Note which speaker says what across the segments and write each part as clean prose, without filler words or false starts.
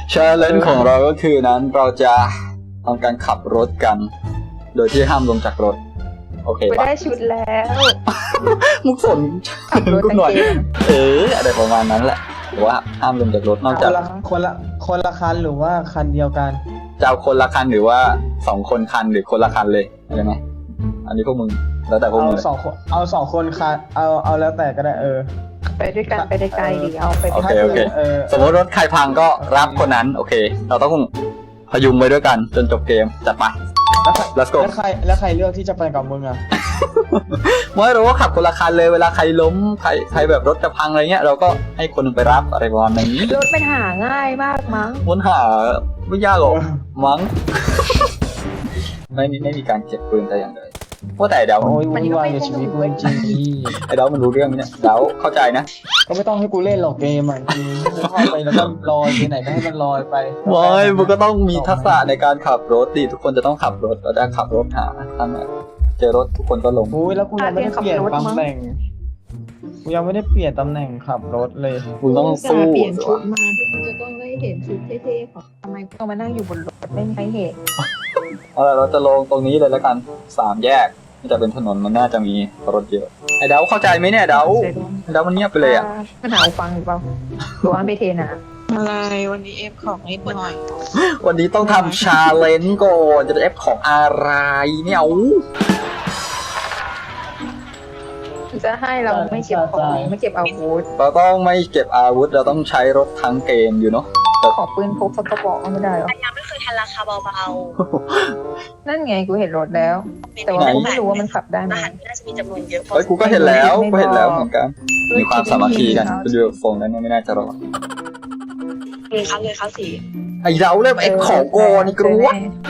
Speaker 1: ชาเลนจ์ของเราก็คือนั้นเราจะทำการขับรถกัน โดยที่ห้ามลงจากรถโอเค
Speaker 2: ไป
Speaker 1: ปะ
Speaker 2: ได้ชุดแล้ว
Speaker 1: มุกสน
Speaker 2: ขับรถ
Speaker 1: กูหน่อย
Speaker 2: กางเกง
Speaker 1: อะไรประมาณนั้นแหละแต่ว่าห้ามลงจากรถนอก
Speaker 3: ค
Speaker 1: จาก
Speaker 3: นละคันหรือว่าคันเดียวกัน
Speaker 1: จะเอาคนละคันหรือว่า2 คนคันหรือคนละคันเลยอะไรไหมอันนี้พวกมึงแล้วแต่พวก
Speaker 3: เอา
Speaker 1: มึงเลย
Speaker 3: สองคนคันเอาแล้วแต่ก็ได้
Speaker 2: ไปด้วยกันไปได้ไกลดีเอาไป
Speaker 1: โอเคโอเค
Speaker 3: เออ
Speaker 1: สมมติรถใครพังก็รับคนนั้นโอเค เราต้องพยุงไปด้วยกันจนจบเกมจัดไป Let's go
Speaker 3: แล้วใครเลือกที่จะไปกับมึงอ่ะ
Speaker 1: ไม่รู้ว่าขับคนละคันเลยเวลาใครล้มใครแบบรถจะพังอะไรเงี้ยเราก็ให้คนหนึงไปรับอะไรประมาณนี้
Speaker 2: รถมันหาง่ายมากมั้ง
Speaker 1: ค้นหาไม่ยากหรอกมั้ง ไม่มีการเก็บปืนแต่อย่างใดว่าแต่เดา
Speaker 3: โอ้ยวุ่นวายกับชีวิตมึงจริง
Speaker 1: ไอ้เดามันรู้เรื่องไหมเนี่ยเดาเข้าใจนะ
Speaker 3: ก็ไม่ต้องให้กูเล่นหรอกเกมอ่ะจริงกูเข้าไปแล้วก็ลอยไปไหนก็ให้มันลอยไป
Speaker 1: ไม่มันก็ต้องมีทักษะในการขับรถดิทุกคนจะต้องขับรถเราจะขับรถหาทั้งนั้นเจอรถทุกคนก็ลง
Speaker 3: โอ้ยแล้วกูยังไม่ได้เปลี่ยนตำแหน่งกูยังไม่ได้เปลี่ยนตำแหน่งขับรถเลย
Speaker 1: คุณต้องสู้
Speaker 2: เปลี่ยนชุดมาที่คุณจะต้องได้เห็นชุดเท่ๆของทำไมต้องมานั่งอยู่บนรถไม่มีใครเห็น
Speaker 1: เอาล่ะเราจะลงตรงนี้เลยแล้วกัน3 แยกมันจะเป็นถนนมันน่าจะมีรถเยอะไอ้เดาเข้าใจไหมเนี่ยเดามันเงียบไปเลยอ่ะ
Speaker 2: มันหาฟังหรือเปล่าตัวอันไปเทนะ
Speaker 4: อะไรวันนี้เอฟของนิดหน่อย
Speaker 1: วันนี้ต้องทำชาเลนจ์ก่อนจะได้เอฟของอะไรเนี่ยเอา
Speaker 2: จะให้เราไม่เก็บของไม่เก็บอาวุธ
Speaker 1: เราต้องไม่เก็บอาวุธเราต้องใช้รถทั้งเกมอยู่เนาะ
Speaker 2: ขอปืนพกสักกระบอกก็ไม่ได้หรอ
Speaker 4: ยังไม่เคยทันราคาเบา
Speaker 2: นั่นไงกูเห็นรถแล้ว
Speaker 4: ๆ
Speaker 2: แต่ว่ากูไม่รู้ว่ามันขับได้ไหม
Speaker 4: รหัสน่าจะมีจำนวนเยอะ
Speaker 1: เฮ้ยกูก็เห็นแล้วเหมือนกันมีความสามัคคีกันคุณดูโฟงนั้นไม่น่าจะรอด
Speaker 4: เลยครับสี
Speaker 1: ไอ้เดาเริ่มเอฟของก่อนนี่กลัว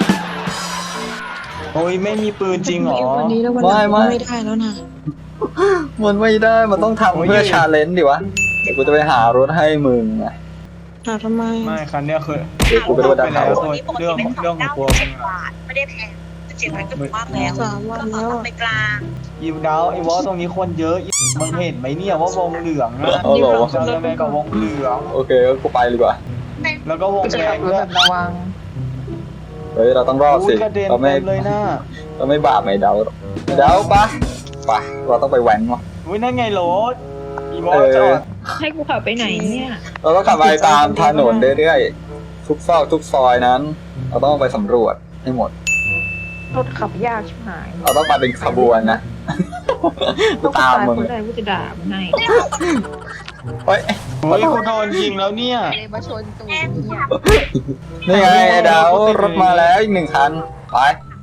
Speaker 3: โอ้ยไม่มีปืนจริงเหรอ
Speaker 4: วันนี้แล้ววันหลังไม่ได้แล้วนะ
Speaker 1: มันไม่ได้มันต้องทำเพื่อชาเลนจ์ดิวะเดี๋ยวกูจะไปหารถให้มึงนะ
Speaker 4: หาทำไม
Speaker 3: ไม่คันเนี้ยคือ
Speaker 1: เดี๋ยวกูไปดูดันเขา
Speaker 4: เรื่องของกลัวไม่ได้แพง7,000ก็ถูกมากแล้ว3 วันแล้วไปกลาง
Speaker 3: อีวดาวไอ้วอตรงนี้คนเยอะมึงเห็นไหมเนี่ยว่าวงเหลืองอะ
Speaker 1: เอาเหรอ
Speaker 3: จะเริ่มไปกับวงเหลือง
Speaker 1: โอเคกูไปดีกว่า
Speaker 3: แล้วก็วง
Speaker 2: กูจะ
Speaker 3: แด
Speaker 2: ขั
Speaker 3: ง
Speaker 2: บรถ
Speaker 3: ด้ว
Speaker 2: แบ
Speaker 3: ย
Speaker 2: บระวัง
Speaker 1: เฮ้ยเราต้องรอดสิ
Speaker 3: อุ้ยกระเด็น
Speaker 1: เราไม่
Speaker 3: เต็มเลยนะ
Speaker 1: เราไม่บาปไม่เดาหรอกเดาปะเราต้องไปแว้นวะ
Speaker 3: อุ้ยนั่นไงรถอีวอ
Speaker 1: เอ
Speaker 3: ตจอ
Speaker 1: อ
Speaker 3: ด
Speaker 2: ให้กูขับไปไหนเนี่ย
Speaker 1: เราต้องขับไปตามถนนเรื่อยๆทุกซอกทุกซอยนั้น เราต้องไปสำรวจให้หมด
Speaker 2: รถขับยากชิบหาย
Speaker 1: เราต้องไปเป็นขบวนนะ กูตามมึง
Speaker 2: คนใดกูจะด่ามึงให้
Speaker 1: เฮ้ย
Speaker 3: เฮ้ยกูโดนยิงแล้วเนี่ย
Speaker 2: เลยมาชนตูดเนี่ย
Speaker 1: นี่ไงไอ้ดาวรถมาแล้วอีก1 คันไป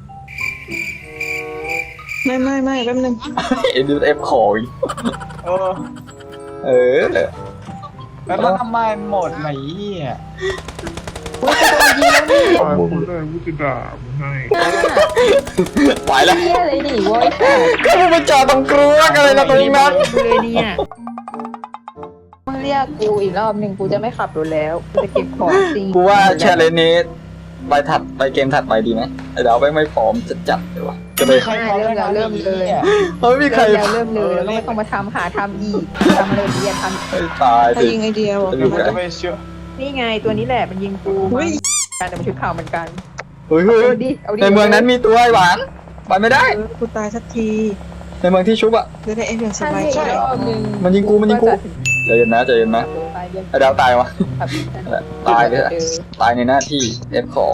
Speaker 4: ไม่แป๊บนึง
Speaker 1: เอ็นดูเอฟของอีก
Speaker 3: เออ
Speaker 1: เออ
Speaker 3: แล้วมันทำไมหมดไหนเนี่ย
Speaker 1: ไปแล้ว
Speaker 2: เฮียอะไรดิโว้ย
Speaker 1: ก็มึงไปจอดตรงกลัวกันเลยนะตรงนั้น
Speaker 2: เลยเนี่ยมึงเรียกกูอีกรอบหนึ่งกูจะไม่ขับรถแล้วกูจะเก็บของจริง
Speaker 1: กูว่าแชร์เลนนี้ไปเกมถัดไปดีไหมไอ้ดาวไม่พร้อมจะจัดเลยวะจะไป
Speaker 3: ใครเขาได้เริ่มเลย
Speaker 1: เฮ้ยมีใคร
Speaker 2: เริ่มเลยแล้วก็ไม่ต้องมาทำอีกทำเลยเรียนทำ
Speaker 1: ไอ้ตาย
Speaker 4: ถ้า
Speaker 1: สิ
Speaker 4: ยิงไอเดียบอก
Speaker 1: จะดู
Speaker 3: มันจะไปเชื่อ
Speaker 2: นี่ไงตัวนี้แหละมันยิงกูการแต่มันชุดขาวเหมือนกัน
Speaker 1: เฮ้ย
Speaker 2: เอาดิเอาดิ
Speaker 1: ในเมืองนั้นมีตัวไอ้หวานไปไม่ได้
Speaker 4: กูตายสักที
Speaker 1: ในเมืองที่ชุบอ่ะ
Speaker 4: จะได้เอฟอย่างส
Speaker 2: ใช่
Speaker 4: บายใจ
Speaker 2: รอบนึง
Speaker 1: มันยิงกูใจเย็นนะไอ้ดาวตายวะตายเลยตายในหน้าที่เอฟของ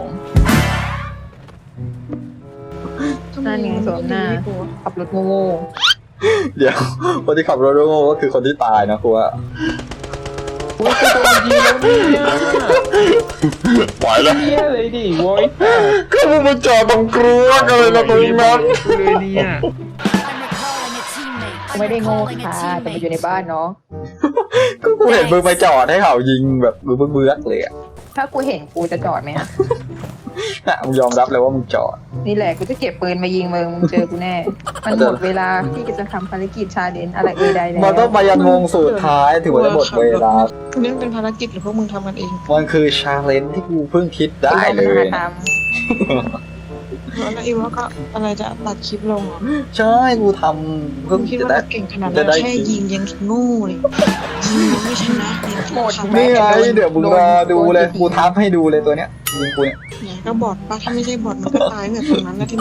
Speaker 2: นั่นไงสวมหน้าขับรถโง่
Speaker 1: เดี๋ยวคนที่ขับรถโง่ก็คือคนที่ตายนะครูว่า
Speaker 3: โอ้ยกูโดนยิงแล้วเนี่ย
Speaker 1: ปล่อยแล้ว
Speaker 3: เฮียเลยดิโว้ย
Speaker 1: ก็มึงมาจอดตรงกลัวกันเลยนะตรงนั้น
Speaker 3: เลยเนี่ย
Speaker 2: ๆกูไม่ได้โง่ค่ะแต่มันอยู่ในบ้านเนาะ
Speaker 1: ก็กูเห็นมึงไปจอดให้เขายิงแบบเบื้อเลยอ่ะ
Speaker 2: ถ้ากูเห็นกูจะจอดไหมอะ
Speaker 1: มึงยอมรับเลยว่ามึงจอด
Speaker 2: นี่แหละกูจะเก็บปืนมายิงมึงเจอกูแน่ มันหมดเวลาที่จะทำภารกิจชาเลนจ์อะไรใดๆแล้ว
Speaker 1: มันต้องไปยันวงสุดท้ายถึงจะหมดเวลา
Speaker 4: เรื่องเป็นภารกิจหรือพวกมึงทำกันเอง
Speaker 1: มันคือชาเลนจ์ที่กูเพิ่งคิดได้เลย
Speaker 2: กูต้องมาท
Speaker 4: แล้วอีว่าก็อะไรจะตัดคลิปลงเหรอ
Speaker 1: ใช่กูทำเพิ่ง
Speaker 4: คิด
Speaker 1: จะ
Speaker 4: ว่า
Speaker 1: ได้
Speaker 4: เราเก่งขนาด
Speaker 1: จะ
Speaker 4: นั้น
Speaker 1: ได้
Speaker 4: แค่ยิงยังโง่เลยยิงยังไม่ชนะยัง
Speaker 2: หมด
Speaker 1: นี่ไงเดี๋ยวมึงรอดูเลยกูทับให้ดูเลยตัวเนี้ยยิงกูเนี่ย
Speaker 4: เนี่ยก็บอดปะถ้าไม่ใช่บอดมันก็ตายแบบตรงนั้นแล้วที่มัน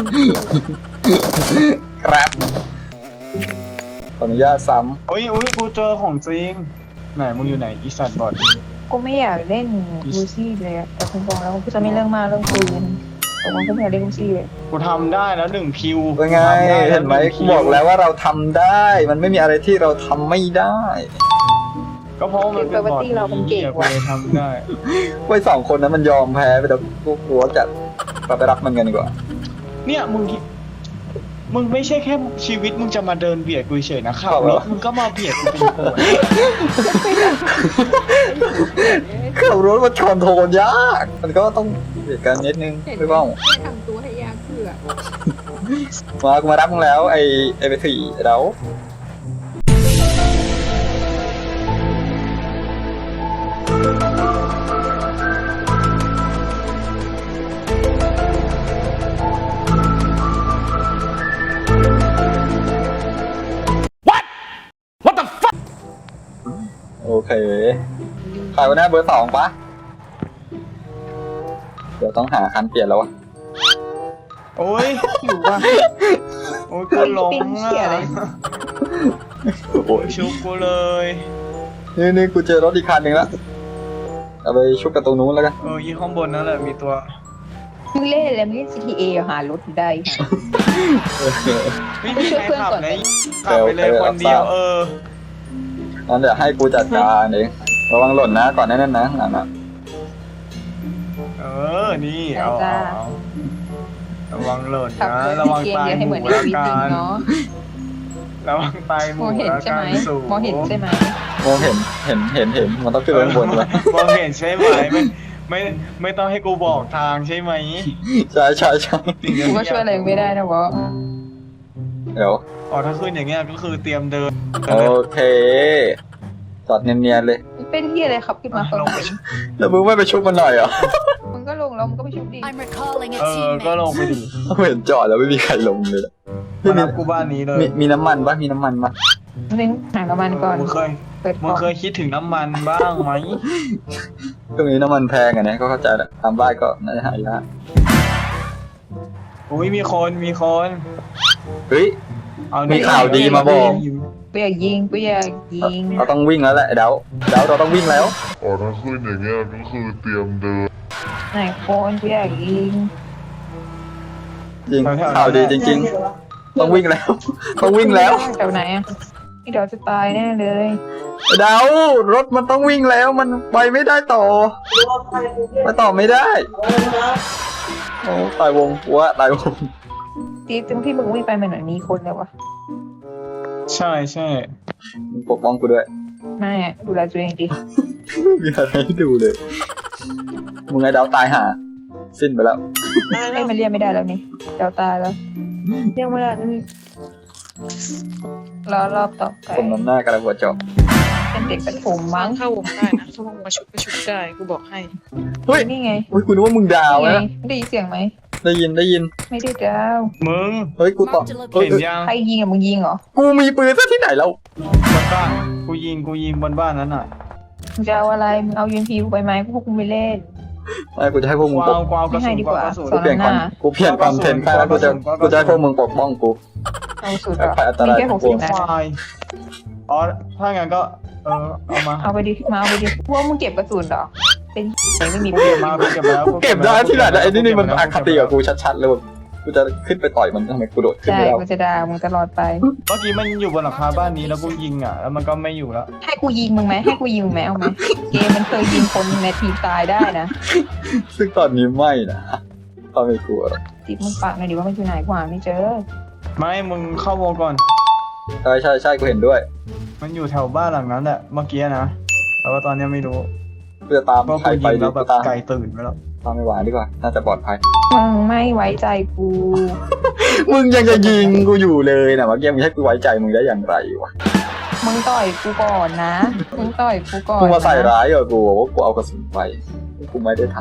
Speaker 1: ครับขออนุญาตซ้
Speaker 3: อุ้ยกูเจอของจริงไหนมึงอยู่ไหนอีสัตว์บอด
Speaker 2: กูไม่อยากเล่นลูซี่เลยอะแต่คุณบอกแล้วกูจะไม่เรื่องมากเรื่องปืนแต่ว่ากูไม่อยากเล่นลูซี่เลย
Speaker 3: กูทำได้แล้ว1 คิว
Speaker 1: ำเป็นไงเห็นไหมกูบอกแล้วว่าเราทำได้ มันไม่มีอะไรที่เราทำไม่ได้
Speaker 3: ก็เพราะมันเป็นบอดนี้กูเลยทำได้
Speaker 1: ไว้2 คนนั้นมันยอมแพ้ไปแต่กูกลัวจัดเราไปรับมันกันดีกว่า
Speaker 3: เนี่ยมึงไม่ใช่แค่ชีวิตมึงจะมาเดินเบียดกูเฉยนะขับรถมึงก็มาเบียดกูเป็นโผล่
Speaker 1: ขับรถมันคอนโทรลยาก มันก็ต้องเบียดกันนิดนึงไม่บ้าง
Speaker 2: ทำตัวให้ยากเพื่อ
Speaker 1: กูมารับมึงแล้วไอ้ไปสี่เดาโอเคใครวันนี้เบอร์ 2ปะเดี๋ยวต้องหาคันเปลี่ยนแล้ววะ
Speaker 3: โอ้ย
Speaker 2: อยู่ว่ะ
Speaker 3: โอ้ยกูหลง
Speaker 2: ปิ้งเหี้ยอะไร
Speaker 1: โอ้ย
Speaker 3: ชุบกูเลย
Speaker 1: นี่กูเจอรถอีกคันหนึ่งแล้วเอาไปชุบกับตรงนู้นแล้วกัน
Speaker 3: ยี่ข้างบนนั่นแหละมีตัว
Speaker 2: มึงเล่นอะไรมึงเล่น CTA หารถได้ค่ะ
Speaker 3: ไม่มีใครขับเลยขับไปเลยคนเดียว
Speaker 1: งั้นเดี๋ยวให้กูจัดการเองระวังหล่นนะก่อนแน่นๆนะนั่นนะ
Speaker 3: นี่เอาระวังหล่น
Speaker 2: ขับ
Speaker 3: นะ
Speaker 2: รถ
Speaker 3: ระวัง
Speaker 2: เกม
Speaker 3: ตาย
Speaker 2: เยอะให้
Speaker 3: ห
Speaker 2: เห
Speaker 3: มู
Speaker 2: มือนใน
Speaker 3: ละ
Speaker 2: ชีวิต
Speaker 3: กั
Speaker 2: จริง
Speaker 3: น
Speaker 2: เนาะ
Speaker 3: ระวังตายห
Speaker 2: ม
Speaker 3: มู
Speaker 2: องเห็น
Speaker 3: ละ
Speaker 2: ใช่
Speaker 3: กั
Speaker 2: ไหม
Speaker 3: นสูง
Speaker 2: มองเห็นใช่ไหม
Speaker 1: มองเห็นมันต้องขึ้นไปข้างบนเลย
Speaker 3: มองเห็นใช่ไหมไม่ต้องให้กูบอกทางใช่ไหม
Speaker 1: ใช่
Speaker 2: กูก็ช่วยอะไรไม่ได้นะวะ
Speaker 1: เดี๋ยว
Speaker 3: ถ้าขึ้นอย่างเงี้ยก็คือเตรียมเดิน
Speaker 1: โอเคจอดเนียนๆเลย
Speaker 2: เป็นที่อะไรครับขึ้นมาตอนไหน
Speaker 1: แล้วมึงไม่ไปชุบมันหน่อยเหรอ
Speaker 2: มึงก็ลงแล้วมึงก็ไปชุบดิ
Speaker 5: I'm recalling a
Speaker 3: ก็ลง
Speaker 5: teammate.
Speaker 3: ไปดิ
Speaker 1: เห็นจอดแล้วไม่มีใครลงเลย
Speaker 3: มารับกูบ้านนี้เลย
Speaker 1: มีน้ำมันปะมีน้ำมันปะ
Speaker 2: นึงหาน้ำมันก่อน
Speaker 3: มึง
Speaker 2: เปิดกล่อง
Speaker 3: เคยคิดถึงน้ำมันบ้างไหม
Speaker 1: ตรงนี้น้ำมันแพงอ่ะนะก็เข้าใจแหละตามบ้านก็น่าจะหายาก
Speaker 3: อุ้ยมีคน
Speaker 1: เฮ้ย
Speaker 3: เอา
Speaker 1: มีข่าวดีมาบอก
Speaker 2: กูอยากยิงกูอยากยิง
Speaker 1: เราต้องวิ่งแล้วแหละเดาเราต้องวิ่งแล้ว
Speaker 6: ถ้าขึ้นอย่างเงี้ยก็คือเตรียมเดิน
Speaker 2: ไหนคนกูอยากยิง
Speaker 1: จริงข่าวดีจริง ๆ ต้องวิ่งแล้ว ต้องวิ่งแล้ว
Speaker 2: แถวไหนอ่ะนี่เดี๋ยวจะตายแน่เลย
Speaker 1: เดารถมันต้องวิ่งแล้วมันไปไม่ได้ต่อไปต่อไม่ได้โอ้ตายวงวะตายวง
Speaker 2: ตีตรงที่มึงวิ่งไปมันเหมือนมีคนเลยวะ
Speaker 3: ใช่
Speaker 1: มึงปกป้องกูด้วย
Speaker 2: ไม่อะดูแลตัวเองดิ
Speaker 1: มีอะไรให้ดูเลยมึงไอ้ดาวตายห่าสิ้นไปแล้ว
Speaker 2: เอ้ยมันเรียกไม่ได้แล้วนี่เดี๋ยวตายแล้วเรียกไม่ได้นี่รอบต่อไป
Speaker 1: คนน้ำหน้ากระหัวจอบ
Speaker 2: เป็นเด็กประถม
Speaker 4: ฟั
Speaker 2: มั้
Speaker 4: ง
Speaker 2: ง
Speaker 4: เข้าวงได้นะถ้าวงมาชุบก็ชุบได้กูบอกให้
Speaker 1: เฮ้ย
Speaker 2: นี่ไง
Speaker 1: อุ้ยกูนึกว่ามึงดาว
Speaker 2: นี่ไง
Speaker 1: นะ
Speaker 2: ได้ยินเสียงไหม
Speaker 1: ได้ยิน
Speaker 2: ไม่ได้ดาว
Speaker 3: มึง
Speaker 1: เฮ้ยกูตอบ
Speaker 3: เห็นยัง
Speaker 2: ใครยิงอ่ะมึงยิงเหรอ
Speaker 1: กูมีปืนซะที่ไหนแล้ว
Speaker 3: บนบ้านกูยิงบนบ้านนั้นน่ะ
Speaker 2: มึงจะเอาอะไรมึงเอายูนพีกูไปไหมกูพวกกูไม่เล่น
Speaker 1: ไม่กูจะให้พวกมึงปก
Speaker 3: กวาวกระ
Speaker 2: ไม่ให้
Speaker 3: สุน
Speaker 2: ดี
Speaker 3: ก
Speaker 2: ก
Speaker 3: วา
Speaker 2: ว่า
Speaker 3: กระสุน
Speaker 1: กูเปลี่ยนคอนกูเปลี่ยนคอนเทนต์แค่แล้วกูจะให้พวกมึงปกป้องกู
Speaker 2: เอาสุดเหรอ
Speaker 1: ใครอันตราย
Speaker 2: มีแค่60นัด
Speaker 3: ควายถ้างั้นก็เอามา
Speaker 2: เอาไปดิมาเอาไปดิพวกมึงเก็บกระสุนเหรอเป็นไม่มี
Speaker 3: กูเก็บมากูเก็บแล้ว
Speaker 1: กูเก็บได้ที่ไหนนะไอ้นี่มันอคติกับกูชัดๆเลยกูจะขึ้นไปต่อยมันทำไมกูโดดขึ้น
Speaker 2: ใช่
Speaker 1: ไม่ได้
Speaker 2: กูจะด่ามึงตลอดไป
Speaker 3: เมื่อกี้มันอยู่บนหลังคาบ้านนี้แล้วกูยิงแล้วมันก็ไม่อยู่แล้ว
Speaker 2: ให้กูยิงมึงไหมให้กูยิงมึงไหมเอาไหมเกมมันเคยยิงคนในทีมตายได้นะ
Speaker 1: ซึ่งตอนนี้ไม่นะตอนไม่กลัวหรอก
Speaker 2: จิบมึงปากหน่อยดิว่ามันอยู่ไหนกว่าไม่เจอ
Speaker 3: ไม่มึงเข้าวงก่อน
Speaker 1: ใช่กูเห็นด้วย
Speaker 3: มันอยู่แถวบ้านหลังนั้นแหละเมื่อกี้นะแต่ว่าตอนนี้ไม่รู้
Speaker 1: กูจะตาม
Speaker 3: เพราะ
Speaker 1: ใคร
Speaker 3: กู
Speaker 1: ไป
Speaker 3: ยิง
Speaker 1: ดี
Speaker 3: แล้วแบ
Speaker 1: กู
Speaker 3: บ
Speaker 1: ตาม
Speaker 3: ไก่ตื่นไปแล้ว
Speaker 1: ตามไม่ไหวดีกว่าน่าจะปลอดภัย
Speaker 2: มึงไม่ไว้ใจกู
Speaker 1: มึงยังจะยิงกูอยู่เลยนะเมื่อกี้มึงให้กูไว้ใจมึงได้อย่างไรวะ
Speaker 2: มึงต่อยกูก่อนนะมึงต่อยกูก่อน
Speaker 1: มึงมาใส่
Speaker 2: นะ
Speaker 1: ร้ายกับกูว่ากูเอากระสุนไปกูไม่ได้ท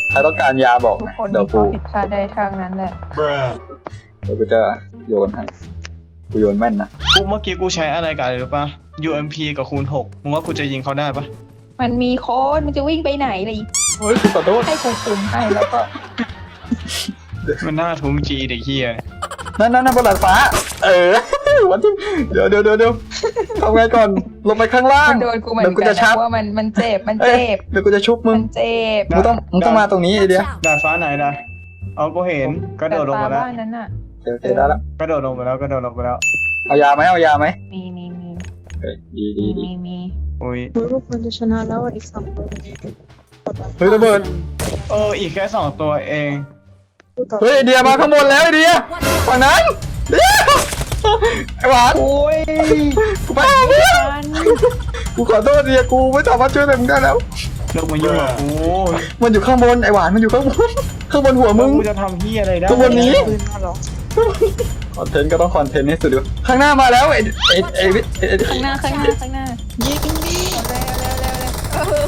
Speaker 1: ใครต้องการยาบอก
Speaker 2: ทุก
Speaker 1: นะ
Speaker 2: คน
Speaker 1: เดี๋ยว
Speaker 2: มี
Speaker 1: กู
Speaker 2: ข้อผิดพลาดได้ทางนั้นแหละ
Speaker 1: เดี๋ยวกูจะโยนให้กูโยนแม่นนะ
Speaker 3: กูเมื่อกี้กูใช้อะไรกันหรือปะ UMP กับคูณ6มึงว่ากูจะยิงเขาได้ปะ
Speaker 2: มันมีโค้ดมันจะวิ่งไปไหนเลย
Speaker 1: เฮ้ยกูขอโทษ
Speaker 2: ให้กูคุมให้แล้วก็
Speaker 3: มันน่าทุ้งจีเด็กเฮีย
Speaker 1: นั่นบนดาดฟ้า วันที่เดี๋ยวทำไงก่อนลงไปข้างล่าง
Speaker 2: มันโดนกูเหมือน
Speaker 1: เดี๋ยวกู
Speaker 2: กั
Speaker 1: จะ
Speaker 2: น
Speaker 1: ชั
Speaker 2: นะ
Speaker 1: บ
Speaker 2: ว่ามันเจ็บมัน
Speaker 1: เอ้ย
Speaker 2: เจ็บ
Speaker 1: เดี๋ยวกูจะชุบมึง
Speaker 2: มันเจ็บ
Speaker 1: มึงต้องมาตรงนี้ไอเดีย
Speaker 3: ดาดฟ้าไหนนะเอากูเห็นกระโดดลง
Speaker 2: แต่
Speaker 3: มาแล้ว
Speaker 2: บ้านนั้นน่ะ
Speaker 1: โอเคได้แล้ว
Speaker 3: กระโดดลงไปแล้ว
Speaker 1: เอายาไหม
Speaker 2: มี
Speaker 1: เฮ้ยดี
Speaker 2: มี
Speaker 3: อุ้ย
Speaker 4: ทุกคนจะชนะแล้วอีกสองคน
Speaker 1: เฮ้ยระเบิด
Speaker 3: อีกแค่2 ตัวเอง
Speaker 1: เฮ้ยไอเดียมาข้างบนแล้วไอเดียฝั่งนั้นเดี๋ยวไอหวาน
Speaker 3: โอ้ย
Speaker 1: กูไปเอาเพื่อนกูขอโทษเดียกูไม่สามารถช่วยอะไรมึงได้แล้ว
Speaker 3: เลิกมายุ่งกับกู
Speaker 1: มันอยู่ข้างบนไอหวานมันอยู่ข้างบนข้างบนหัวมึง
Speaker 3: กูจะทำเฮียอะไรได้
Speaker 1: ข้างบนนี้
Speaker 4: ปืนมาหรอ
Speaker 1: คอนเทนต์ก็ต้องคอนเทนต์ให้สุดอยู่ข้างหน้ามาแล้วไอ้
Speaker 2: ข้างหน้ายิงดิเร็ว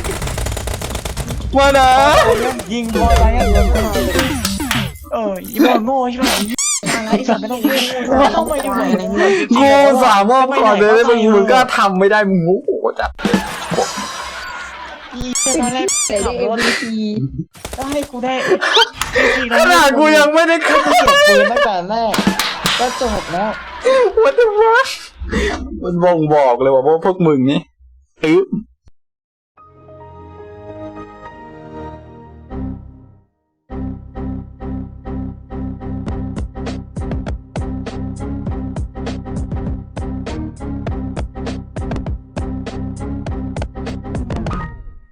Speaker 1: มานะ
Speaker 3: ยิงพออะไรอีบอลโง่ใช่ไหมอะไรสัตว์ไม่ต้องยิงเข้ามาอยู่ไหน
Speaker 1: กูสามารถคอนเทนต์ให้มึงก็ทำไม่ได้มึงโง่จัด
Speaker 3: ตอนแรก
Speaker 2: แต่ได้ MVP
Speaker 3: ก็ให้กูได้
Speaker 1: ขนาดกูยังไม่ได้ขับ
Speaker 3: เก็บปืนตั้งแต่แรกก็จบแล้ว
Speaker 1: What the fuck มันบ่งบอกเลยว่าพวกมึงนี่